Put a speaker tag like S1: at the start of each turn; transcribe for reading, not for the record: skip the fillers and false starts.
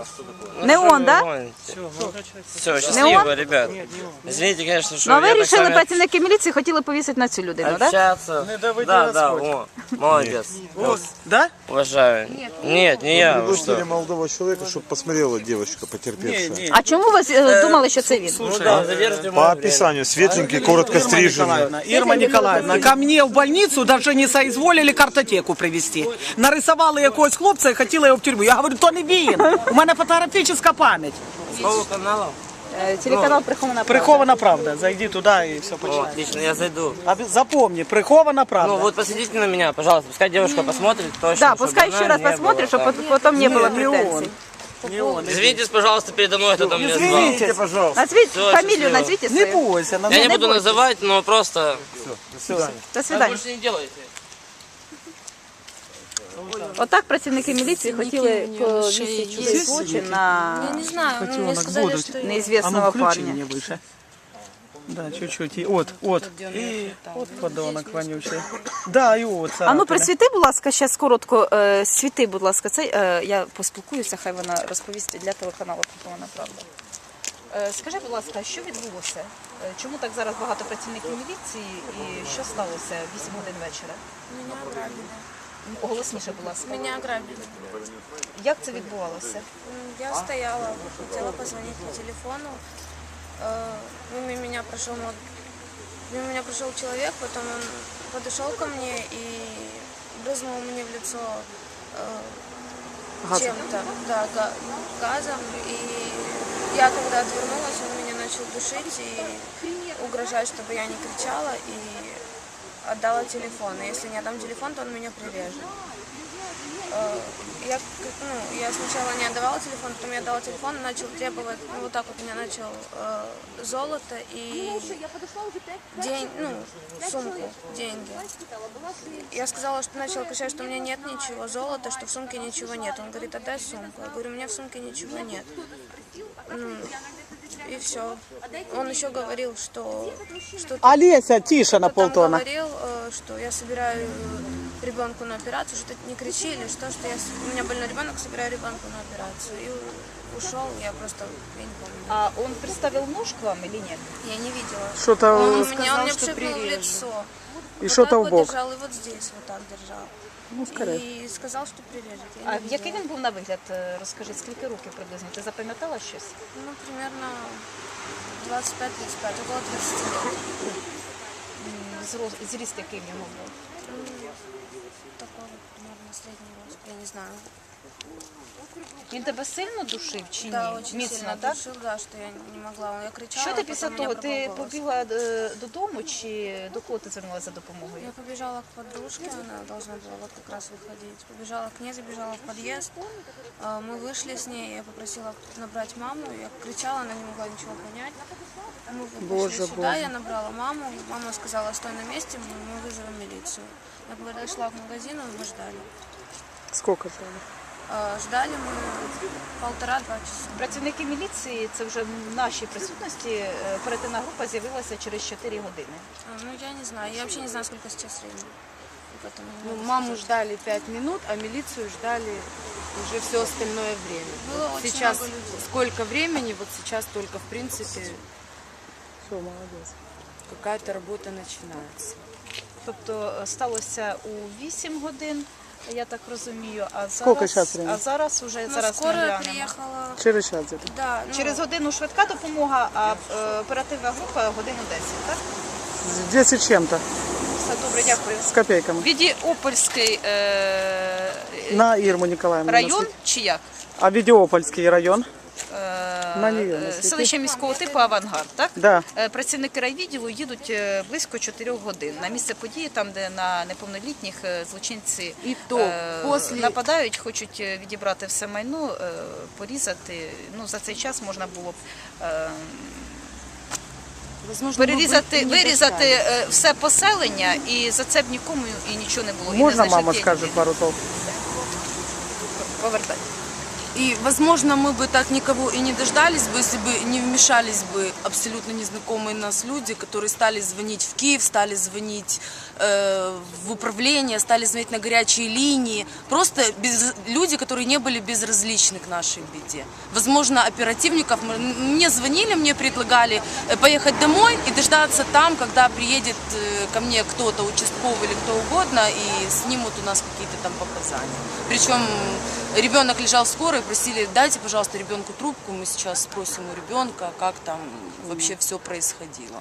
S1: Не он, да?
S2: Все, счастливо, ребят. Извините, конечно, что
S1: Ну, а ви
S2: я так
S1: вирішили,
S2: сами
S1: працівники міліції хотіли повісити на цю людину, так?
S2: общаться. Да, о, молодец.
S3: Да?
S2: Уважаю. Нет, не я. Вы
S4: Пригласили
S2: что?
S4: молодого человека, чтобы посмотрела девочка потерпевшая.
S1: А чому ви думали, що це він?
S2: Ну да, задержите
S4: По описанию светленький, коротко стриженный.
S3: Ирма Николаевна, ко мне в больницу даже не соизволили картотеку привезти. Нарисували якогось хлопця і хотіли його в тюрму. Я говорю, то не він. У мене фотографічна пам'ять.
S2: Сколько каналов?
S1: Телеканал «Прихована правда».
S3: Прихована правда. Зайди туди і все
S2: О,
S3: починаєш.
S2: отлично, я зайду.
S3: Запомни, прихована правда.
S2: Ну вот посмотрите на меня, пожалуйста, пускай девушка посмотрит точно.
S1: Да,
S2: чтобы
S1: пускай
S2: она
S1: еще раз
S2: не
S1: посмотрит,
S2: была
S1: чтобы
S2: там.
S1: потом не было
S3: не он.
S1: претензий.
S3: Не он.
S2: Извинитесь, пожалуйста, передо мной, кто там меня звал.
S3: Извините,
S4: пожалуйста.
S1: Назвіть
S2: Всё,
S1: фамілію,
S2: счастливо.
S1: назвіть
S3: Не
S1: свою.
S3: бойся.
S2: Я не
S1: не
S2: буду
S1: бойся.
S2: называть, но просто
S4: До свидания.
S1: До
S2: так
S1: свидання.
S2: больше не делайте.
S1: Отак працівники міліції хотіли повісити чужий злочин на
S5: Я не знаю, ну, мне
S3: Котенок
S5: сказали,
S3: будут.
S5: что...
S3: А ну
S1: неізвісного
S3: включи
S1: парня.
S3: мне выше. Да, чуть-чуть. И вот. Вот подонок вонючий. Да, и вот.
S1: А ну присвіти, будь ласка, ще коротко, світи, будь ласка, цей, я поспілкуюся, хай вона розповість для телеканалу «Прихована правда». Скажи, будь ласка, що відбулося? Чому так зараз багато працівників міліції і що сталося 8 годин вечора?
S5: Меня ограбили.
S1: Голосніше, будь ласка.
S5: Меня ограбили.
S1: Як це відбувалося?
S5: Я стояла, хотела позвонить по телефону. Мимо меня прошел человек, потом он подошел ко мне и брызнул мне в лицо чем-то, да, газом. И я когда отвернулась, он меня начал душить и угрожать, чтобы я не кричала, и отдала телефон. И если не отдам телефон, то он меня прирежет. Я сначала не отдавала телефон, потом я отдала телефон, начал требовать, вот так вот меня начал золото и сумку, деньги. Я сказала, что начала кричать, что у меня нет ничего, золота, что в сумке ничего нет. Он говорит, отдай сумку. Я говорю, у меня в сумке ничего нет. И все. Он еще говорил, что
S3: Олеся, тише на
S5: он
S3: полтона.
S5: говорил, что я собираю ребенку на операцию, что не кричи или что у меня больной ребенок, собираю ребенка на операцию. И ушел, я не помню.
S1: А он приставил нож к вам или нет?
S5: Я не видела.
S3: Что-то
S5: Он мне пшикнул в лицо.
S3: и что-то в
S5: вот
S3: бок.
S5: держал, и вот здесь вот так держал.
S3: Ну, скорее.
S5: И сказал, что прирежет. Я
S1: А
S5: не
S1: який
S5: видела.
S1: він був на вигляд? Розкажи, скільки років приблизно? Ти запам'ятала щось?
S5: Ну, примерно 25-35, около 30 лет.
S1: Зріст який в нього був?
S5: Такой вот примерно средний рост, я не знаю.
S1: Він тебе сильно душив чи ні?
S5: Да, очень
S1: Міцно,
S5: сильно
S1: так?
S5: душил, да, что я не могла. Я кричала,
S1: Що ти
S5: а
S1: після
S5: потом
S1: того?
S5: меня
S1: Ти
S5: пропал голос.
S1: побігла додому чи до кого ти звернулася за допомогою?
S5: Я побежала к подружке, она должна была вот как раз выходить. Побежала к ней, забежала в подъезд. Мы вышли с ней, я попросила набрать маму. Я кричала, она не могла ничего понять. Мы вышли сюда, я набрала маму. Мама сказала, стой на месте, мы вызовем милицию. Я подошла к магазину, мы ждали.
S3: Сколько ждали?
S5: Ждали мы 1,5-2 часа.
S1: Працівники міліції, це вже в нашій присутності, оперативна група з'явилася через 4 години.
S5: Ну, я не знаю, я вообще не знаю, сколько сейчас времени. И поэтому не
S6: Ну,
S5: могу
S6: маму
S5: сказать.
S6: ждали 5 минут, а милицию ждали уже все остальное время.
S5: Было
S6: Вот
S5: очень
S6: сейчас
S5: много людей.
S6: сколько времени, вот сейчас только в принципе
S3: Все, молодец.
S6: какая-то работа начинается.
S1: Тобто сталося у 8 годин, я так розумію,
S3: Скільки зараз времени?
S1: а зараз уже
S5: Ну,
S1: зараз ми
S5: скорая
S1: глянемо.
S5: приехала.
S3: Через час где-то.
S5: Да, ну,
S1: Через годину швидка допомога, а оперативна група годину 10, так?
S3: 10 с чем-то,
S1: Все добре, дякую.
S3: с копейками.
S1: Відіопольський
S3: На Ирму Николаевну.
S1: район чи як?
S3: А Видеопольский район? На нее насвіти.
S1: Селище міського типу «Авангард», так?
S3: Да.
S1: Працівники райвідділу їдуть близько 4 годин на місце події, там, де на неповнолітніх злочинці
S6: І то після-
S1: нападають, хочуть відібрати все майно, порізати. Ну, за цей час можна було б
S6: Возможно, мы бы не
S1: вирізати
S6: дождались.
S1: все поселення, і за це б нікому і нічого не було. І не
S3: Можно
S1: знайшли
S3: мама
S1: тієї
S3: скажет
S1: людини.
S3: пару слов?
S1: Повертай.
S6: И, возможно, мы бы так никого и не дождались бы, если бы не вмешались бы абсолютно незнакомые нас люди, которые стали звонить в Киев, стали звонить в управление, стали звонить на горячие линии. Просто люди, которые не были безразличны к нашей беде. Возможно, оперативников... Мне звонили, мне предлагали поехать домой и дождаться там, когда приедет ко мне кто-то, участковый или кто угодно, и снимут у нас какие-то там показания. Причем ребенок лежал в скорой, просили, дайте, пожалуйста, ребенку трубку, мы сейчас спросим у ребенка, как там вообще все происходило.